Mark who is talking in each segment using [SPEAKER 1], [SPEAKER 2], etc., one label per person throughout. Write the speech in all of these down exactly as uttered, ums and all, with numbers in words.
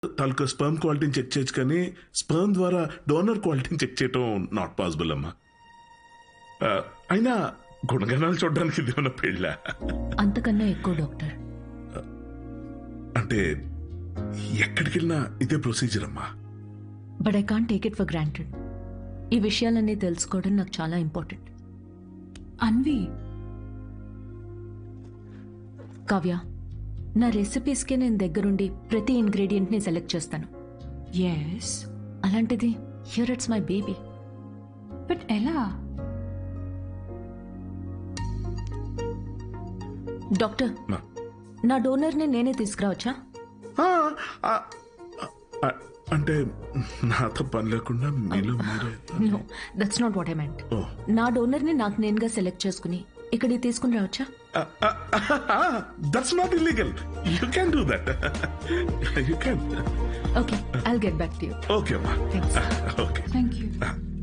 [SPEAKER 1] తాలూకా sperm క్వాలిటీని check చేయొచ్చు కానీ స్పర్మ్ ద్వారా డోనర్ క్వాలిటీని చెక్ చేయటం నాట్ పాసిబుల్ అమ్మా. ఆ, అయినా గుణగణాలు చూడడానికి ఇది ఉన్న పెళ్ళ
[SPEAKER 2] అంతకన్నా ఎక్కువ డాక్టర్.
[SPEAKER 1] అంటే ఎక్కడికి వెళ్ళినా ఇదే ప్రొసీజర్ అమ్మా.
[SPEAKER 2] But I can't take it for granted. ఈ విషయాలన్నీ తెలుసుకోవడం నాకు చాలా ఇంపార్టెంట్.
[SPEAKER 3] అన్వి,
[SPEAKER 2] కావ్య, నా రెసిపీస్కే నేను దగ్గరుండి ప్రతి ఇంగ్రీడియంట్ని సెలెక్ట్ చేస్తాను.
[SPEAKER 3] ఎస్,
[SPEAKER 2] అలాంటిది here it's my baby.
[SPEAKER 3] But ఎలా?
[SPEAKER 2] డాక్టర్,
[SPEAKER 1] మా.
[SPEAKER 2] నా డోనర్ని నేనే తీసుకురావచ్చా?
[SPEAKER 1] ఆ, ఆ, ఆ, అంటే నాతో పని లేకుండా మీలో మీరే.
[SPEAKER 2] No, that's not what I meant.
[SPEAKER 1] Oh.
[SPEAKER 2] నా డోనర్ని నాకు నేనుగా సెలెక్ట్ చేసుకుని ఇక్కడికి తీసుకుని రావచ్చా?
[SPEAKER 1] That's not illegal. You can do that. You can.
[SPEAKER 2] Okay, I'll get back to you.
[SPEAKER 1] Okay అమ్మా.
[SPEAKER 2] Thanks.
[SPEAKER 1] Okay,
[SPEAKER 3] thank you.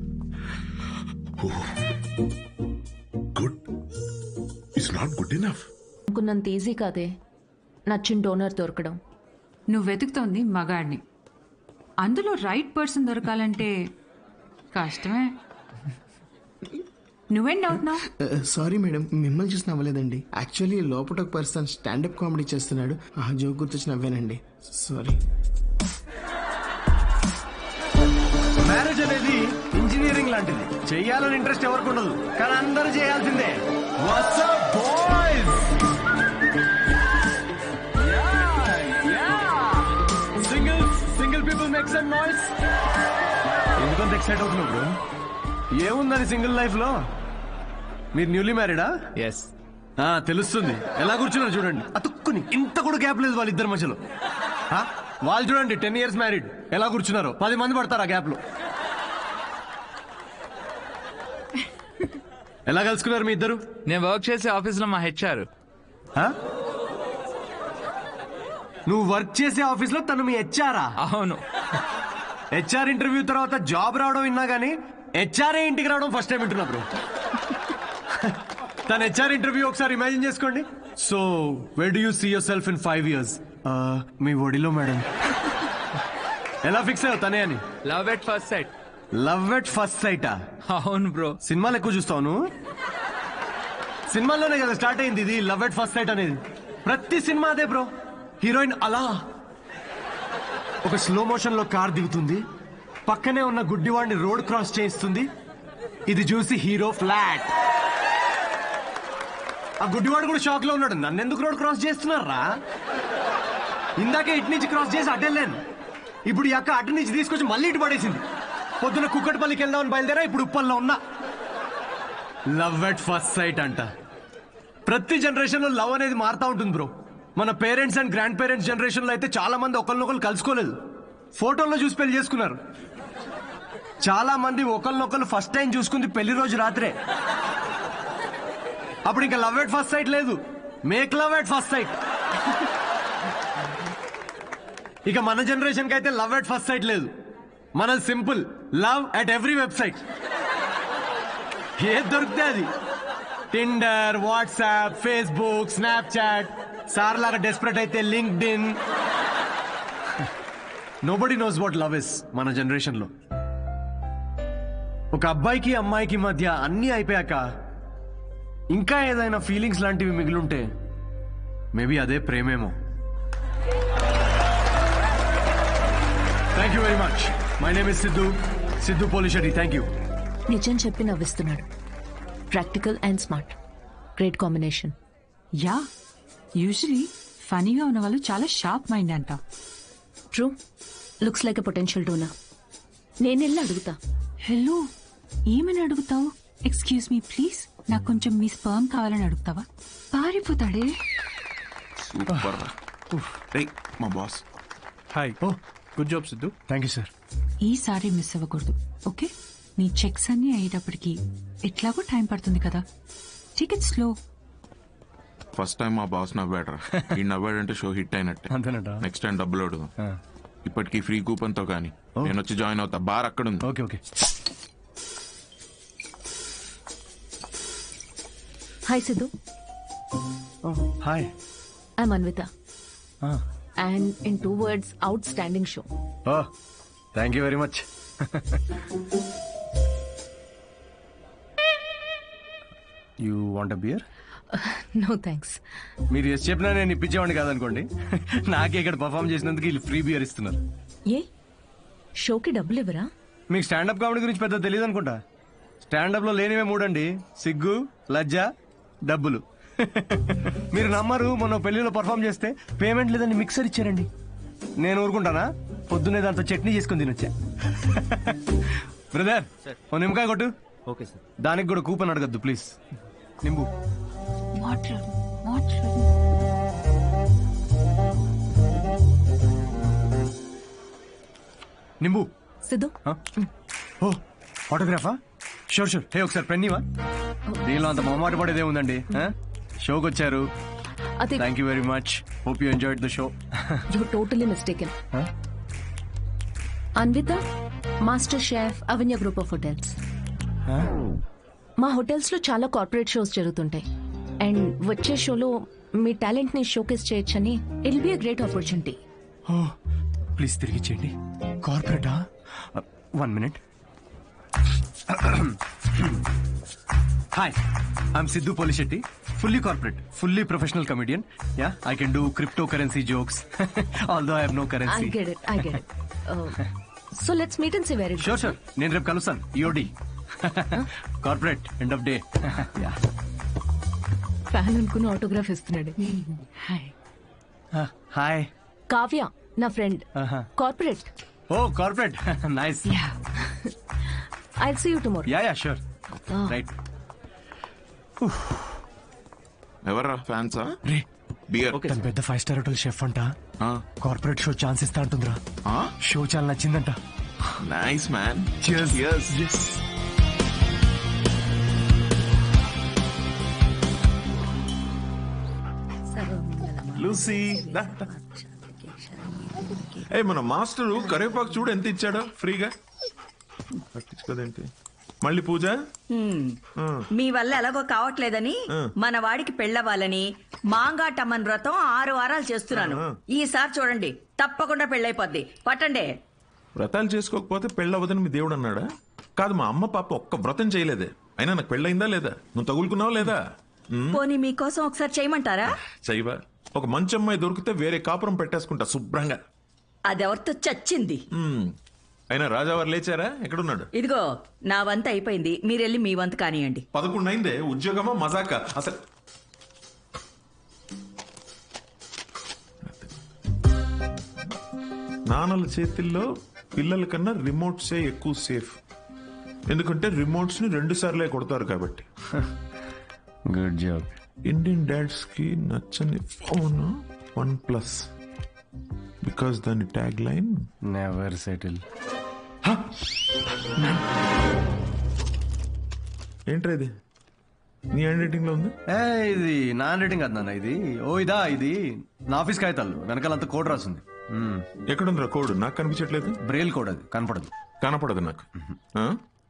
[SPEAKER 1] Good. It's not good enough.
[SPEAKER 2] అనుకున్నంత easy కాదే నచ్చిన డోనర్ దొరకడం.
[SPEAKER 3] నువ్వు వెతుకుతోంది మగాడిని, అందులో రైట్ పర్సన్ దొరకాలంటే కష్టమే. నువ్వేం డౌట్ నా?
[SPEAKER 4] సారీ మేడం, మిమ్మల్ని చూసి నవ్వలేదండి. యాక్చువల్లీ లోపల ఒక పర్సన్ స్టాండప్ కామెడీ చేస్తున్నాడు, ఆ జోక్ గుర్తొచ్చి నవ్వానండి. సారీ.
[SPEAKER 5] మ్యారేజ్ అనేది ఇంజనీరింగ్ లాంటిది. చెయ్యాలని ఇంట్రెస్ట్ ఎవరికి ఉండదు, కానీ అందరూ చేయాల్సిందే. What's up, boys? Singles, single people make some noise. ఎందుకంత ఎక్సైట్ అవుతున్నావు బ్రో? ఏముందని సింగిల్ లైఫ్ లో? మీరు న్యూలీ మ్యారీడా?
[SPEAKER 6] ఎస్.
[SPEAKER 5] తెలుస్తుంది. ఎలా కూర్చున్నారు చూడండి, అతుక్కుని. ఇంత కూడా గ్యాప్ లేదు వాళ్ళిద్దరి మధ్యలో. ఆ, వాళ్ళు చూడండి టెన్ ఇయర్స్ మ్యారీడ్, ఎలా కూర్చున్నారు. పది మంది పడతారు ఆ గ్యాప్ లో. ఎలా కలుసుకున్నారు మీ ఇద్దరు?
[SPEAKER 6] నేను వర్క్ చేసే ఆఫీస్ లో మా హెచ్ఆర్.
[SPEAKER 5] ఆ? నువ్వు వర్క్ చేసే ఆఫీస్ లో తను మీ హెచ్ఆరా?
[SPEAKER 6] అవును.
[SPEAKER 5] హెచ్ఆర్ ఇంటర్వ్యూ తర్వాత జాబ్ రావడం విన్నా గానీ హెచ్ఆర్ఏ ఇంటికి రావడం ఫస్ట్ టైం వింటున్నా బ్రో. తన హెచ్ఆర్ ఇంటర్వ్యూ ఒకసారి ఇమాజిన్ చేసుకోండి. So where do you see yourself in five years? మీ ఒడిలో మేడం. ఎలా ఫిక్స్ అయ్యావు తనే అని?
[SPEAKER 6] Love at first sight.
[SPEAKER 5] Love at first సైటా?
[SPEAKER 6] అవును బ్రో.
[SPEAKER 5] సినిమాలు ఎక్కువ చూస్తావు నువ్వు? సినిమాల్లోనే కదా స్టార్ట్ అయింది ఇది లవ్ ఎట్ ఫస్ట్ సైట్ అనేది. ప్రతి సినిమా అదే బ్రో. హీరోయిన్ అలా ఒక స్లో మోషన్ లో కార్ దిగుతుంది, పక్కనే ఉన్న గుడ్డివాడిని రోడ్ క్రాస్ చేయిస్తుంది. ఇది చూసి హీరో ఫ్లాట్. ఆ గుడ్డివాడు కూడా షాక్ లో ఉన్నాడు, నన్ను ఎందుకు రోడ్ క్రాస్ చేస్తున్నారా? ఇందాకే ఇటు నుంచి క్రాస్ చేసి అటెళ్ళాను, ఇప్పుడు ఈ అక్క అటు నుంచి తీసుకొచ్చి మళ్ళీ ఇటు పడేసింది. పొద్దున కుక్కటిపల్లికి వెళ్దామని బయలుదేరా, ఇప్పుడు ఉప్పల్లో ఉన్నా. లవ్ ఎట్ ఫస్ట్ సైట్ అంట. ప్రతి జనరేషన్ లో లవ్ అనేది మారుతా ఉంటుంది బ్రో. మన parents and grandparents generation లో అయితే చాలా మంది ఒకరినొకరు కలుసుకోలేదు, ఫోటోల్లో చూసి పెళ్లి చేసుకున్నారు. చాలా మంది ఒకరినొకరు ఫస్ట్ టైం చూసుకుంది పెళ్లి రోజు రాత్రే. అప్పుడు ఇంకా లవ్ ఎట్ ఫస్ట్ సైట్ లేదు, make love at first sight. ఇక మన జనరేషన్ కి అయితే లవ్ ఎట్ ఫస్ట్ సైట్ లేదు, మనది simple love at every website. ఏది దొరికితే అది. Tinder, WhatsApp, Facebook, Snapchat, sir లాగా డెస్పరేట్ అయితే LinkedIn. Nobody knows what love is మన జనరేషన్ లో. ఒక అబ్బాయికి అమ్మాయికి మధ్య అన్నీ అయిపోయాక ఇంకా ఏదైనా ఫీలింగ్స్ లాంటివి మిగిలుంటే మేబీ అదే ప్రేమేమో. Thank you very much. My name is Siddhu, Siddhu Polishetty. Thank you.
[SPEAKER 2] నిజం చెప్పి నవ్విస్తున్నాడు. Practical and smart, great combination.
[SPEAKER 3] Yeah, usually ఫనీగా ఉన్న వాళ్ళు చాలా షార్ప్ మైండ్ అంట.
[SPEAKER 2] True, looks like a potential donor. నేను వెళ్ళి అడుగుతా.
[SPEAKER 3] హలో, ఏమని అడుగుతావు? ఎక్స్క్యూజ్ మీ ప్లీజ్, నాకు కొంచెం మీ స్పర్మ్ కావాలని అడుగుతావా? పారిపోతాడే.
[SPEAKER 7] సూపర్. రేయ్ మా boss.
[SPEAKER 5] Hi. Oh
[SPEAKER 7] good job Siddhu.
[SPEAKER 5] Thank you sir.
[SPEAKER 3] ఈసారి మిస్ అవ్వకూడదు, ఓకే? నీ చెక్స్ అన్ని అయ్యేటప్పటికి ఎట్లాగో టైం పడుతుంది కదా, టికెట్ స్లో.
[SPEAKER 7] ఫస్ట్ టైం మా బాస్ నవ్వాడరా. ఈ నవ్వాడంటే షో హిట్ అయినట్టే.
[SPEAKER 5] అంతేనట.
[SPEAKER 7] నెక్స్ట్ టైం డబ్బులు అడుగుదాం. ఇప్పటికి ఫ్రీ కూపన్ తో కానీ నేను వచ్చి జాయిన్ అవుతా. బార్ అక్కడ ఉంది.
[SPEAKER 5] Okay okay.
[SPEAKER 2] Hi Siddhu.
[SPEAKER 5] Hi.
[SPEAKER 2] I'm Anvitha. And in two words outstanding show.
[SPEAKER 5] Oh thank you very much. You want a beer?
[SPEAKER 2] No thanks.
[SPEAKER 5] మీరు ఎస్ చెప్పినా నేను ఇప్పించేవాడిని కాదనుకోండి. నాకే ఇక్కడ పర్ఫామ్ చేసినందుకు వీళ్ళు ఫ్రీ బియర్ ఇస్తున్నారు.
[SPEAKER 2] ఏ షోకి డబ్బులు ఇవ్వరా?
[SPEAKER 5] మీకు స్టాండప్ కామెడీ గురించి పెద్ద తెలియదు అనుకుంటా. స్టాండప్ లో లేనివే మూడండి, సిగ్గు, లజ్జ, డబ్బులు. మీరు నమ్మరు, మొన్న పెళ్లిలో పర్ఫామ్ చేస్తే పేమెంట్ లేదని మిక్సర్ ఇచ్చారండి. నేను ఊరుకుంటానా? పొద్దున్నే దాంతో చట్నీ చేసుకుని తినొచ్చా. బ్రదర్ ఓ నిమ్మకాయ కొట్టు. Okay sir. దానికి కూడా కూపన్ అడగద్దు please. Nimbu
[SPEAKER 3] water water.
[SPEAKER 5] Nimbu.
[SPEAKER 2] Siddhu
[SPEAKER 5] ఓ ఆటోగ్రాఫా? Sure sure. హే ఒకసారి పెన్నీవా? దీనిలో అంత మొహమాట పడేదే ఉందండి. షోకి వచ్చారు,
[SPEAKER 2] అదే.
[SPEAKER 5] Thank you very much. Hope you enjoyed the show.
[SPEAKER 2] You totally mistaken. Anvitha, master chef, Avanya group of hotels. మా హోటల్స్ లో చాలా కార్పొరేట్ షోస్ జరుగుతుంటాయి అండ్ వచ్చే షోలో మీ టాలెంట్ ని షోకేస్ చేయొచ్చని it be a great opportunity.
[SPEAKER 5] Oh please తిరిగి చేయండి. కార్పొరేటా? One minute. Hi, I'm Siddhu Polishetty, fully corporate, fully professional comedian. Yeah, I can do cryptocurrency jokes. Although I have no currency.
[SPEAKER 2] I get it, I get it. Uh, so let's meet and see where it goes.
[SPEAKER 5] Sure, sure. నేను రేపు కలుస్తాను. EOD corporate end of day.
[SPEAKER 2] Fan అనుకుని autograph ఇస్తున్నాడు.
[SPEAKER 3] Hi.
[SPEAKER 5] Hi.
[SPEAKER 2] Kavya నా friend, corporate.
[SPEAKER 5] Oh corporate, nice.
[SPEAKER 2] I'll see you tomorrow.
[SPEAKER 5] Yeah yeah sure. Right.
[SPEAKER 7] ఎవర్రా ఫ్యాన్సా?
[SPEAKER 5] రే
[SPEAKER 7] beer.
[SPEAKER 5] తను పెద్ద ఫైవ్ స్టార్ హోటల్ షెఫ్ అంట. కార్పొరేట్ షో ఛాన్స్ ఇస్తా అంటుందిరా. షో చాలా నచ్చిందంట.
[SPEAKER 7] Nice man.
[SPEAKER 5] Cheers.
[SPEAKER 7] Cheers.
[SPEAKER 5] Yes.
[SPEAKER 1] Lucy దా, దా. ఏ మన మాస్టరు కరివేపాకు చూడు ఎంత ఇచ్చాడో ఫ్రీగా. పట్టించుకోదేంటి మళ్ళీ పూజ?
[SPEAKER 8] మీ వల్ల ఎలాగో కావట్లేదని మన వాడికి పెళ్ళవాలని మాంగాటమ్మన్ వ్రతం ఆరు వారాలు చేస్తున్నాను. ఈసారి చూడండి, తప్పకుండా పెళ్ళైపోద్ది. పట్టండి.
[SPEAKER 1] వ్రతాలు చేసుకోకపోతే పెళ్ళవదని మీ దేవుడు అన్నాడా? కాదు, మా అమ్మ పాప ఒక్క వ్రతం చేయలేదే. అయినా నాకు పెళ్ళయిందా లేదా? నువ్వు తగులుకున్నావా లేదా?
[SPEAKER 8] పోనీ మీకోసం ఒకసారి చేయమంటారా?
[SPEAKER 1] చైవా, ఒక మంచి అమ్మాయి దొరికితే వేరే కాపురం పెట్టేసుకుంటా శుభ్రంగా.
[SPEAKER 8] అదెవరితో చచ్చింది.
[SPEAKER 1] మ్మ్. అయినా రాజావారు లేచారా? ఎక్కడున్నాడు?
[SPEAKER 8] ఇదిగో నా వంత అయిపోయింది, మీరెళ్ళి మీ వంత కానియండి.
[SPEAKER 1] పదకొండు అయిందే. ఉద్యోగమా మజాక అసలు? నాన్నల చేతిల్లో పిల్లల కన్నా రిమోట్సే ఎక్కువ సేఫ్. ఎందుకంటే రిమోట్స్ ని రెండు సార్లే కొడతారు కాబట్టి.
[SPEAKER 5] Good job.
[SPEAKER 1] ఇండియన్ డాడ్స్ కి నచ్చని ఫోన్ వన్ ప్లస్, బికాస్ దాని ట్యాగ్ లైన్
[SPEAKER 5] నెవర్ సెటిల్.
[SPEAKER 1] ఏంట్రా ఇది? నీ హ్యాండ్ రైటింగ్ లో ఉంది.
[SPEAKER 5] ఏ ఇది నా హ్యాండ్ రైటింగ్ కాదు నాన్న, ఇది. ఓ ఇదా, ఇది నా ఆఫీస్ కాగితాలు వెనకాలంతా కోడ్ రాసింది.
[SPEAKER 1] ఎక్కడుందిరా కోడ్? నాకు కనిపించట్లేదు.
[SPEAKER 5] బ్రెయిల్ కోడ్, అది కనపడదు.
[SPEAKER 1] కనపడదు నాకు. ఆ?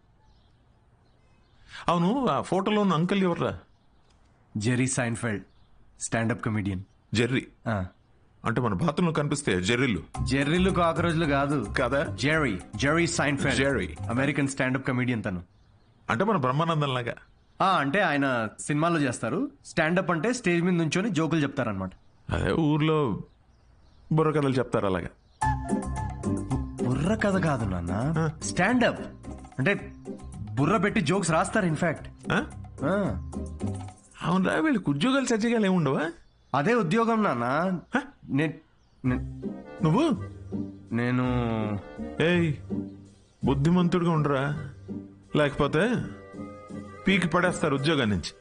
[SPEAKER 1] అవును, ఆ ఫోటోలో ఉన్న అంకల్ ఎవర్రా?
[SPEAKER 5] Jerry Seinfeld, standup comedian.
[SPEAKER 1] Jerry అంటే మన బాత్రూంలో కనిపిస్తే జెర్రీలు.
[SPEAKER 5] జెర్రీలు కాకరోజులు కాదు
[SPEAKER 1] కదా.
[SPEAKER 5] Jerry, Jerry Seinfeld,
[SPEAKER 1] Jerry
[SPEAKER 5] American standup comedian తను.
[SPEAKER 1] అంటే మన బ్రహ్మానందం లాగా.
[SPEAKER 5] ఆ, అంటే ఆయన సినిమాలో చేస్తారు. స్టాండప్ అంటే స్టేజ్ మీద నుంచొని జోకులు చెప్తారనమాట.
[SPEAKER 1] అదే ఊర్లో బుర్ర కథలు చెప్తారు అలాగా.
[SPEAKER 5] బుర్ర కథ కాదు నాన్న, స్టాండప్ అంటే బుర్ర పెట్టి జోక్స్ రాస్తారు. ఇన్ఫాక్ట్
[SPEAKER 1] అవునరా, వీళ్ళకి ఉద్యోగాలు సజ్జగాలు ఏముండవా?
[SPEAKER 5] అదే ఉద్యోగం నాన్న. నే- నే-
[SPEAKER 1] నువ్వు
[SPEAKER 5] నేను
[SPEAKER 1] ఏయ్ బుద్ధిమంతుడిగా ఉండరా, లేకపోతే పీకి పడేస్తారు ఉద్యోగం నుంచి.